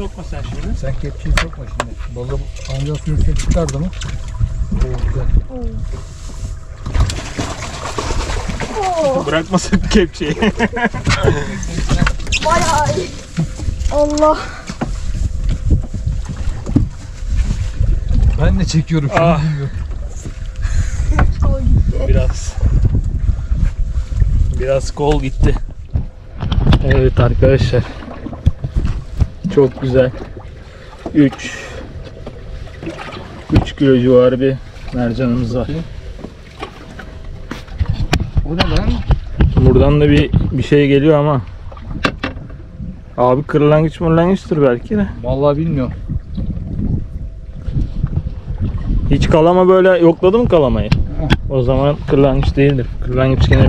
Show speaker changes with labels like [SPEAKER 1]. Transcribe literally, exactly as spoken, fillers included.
[SPEAKER 1] sokma sen şimdi.
[SPEAKER 2] Sen kepçeyi sokma şimdi. Balığı ancak suyun üstüne çıkardı mı? Oo, güzel.
[SPEAKER 3] Oo.
[SPEAKER 1] Bırakmasın kepçeyi.
[SPEAKER 3] Bayağı iyi. Allah.
[SPEAKER 2] Ben de çekiyorum şimdi.
[SPEAKER 1] Ah.
[SPEAKER 2] Bilmiyorum.
[SPEAKER 3] Kol gitti.
[SPEAKER 1] Biraz. Biraz kol gitti. Evet arkadaşlar. Çok güzel. üç üç kilo civarı bir mercanımız var.
[SPEAKER 2] O ne lan?
[SPEAKER 1] Buradan da bir bir şey geliyor ama. Abi kırlangıç mırlangıçtır belki de.
[SPEAKER 2] Vallahi bilmiyorum.
[SPEAKER 1] Hiç kalama böyle yokladı mı kalamayı? O zaman kırlangıç değildir. Kırlangıç gene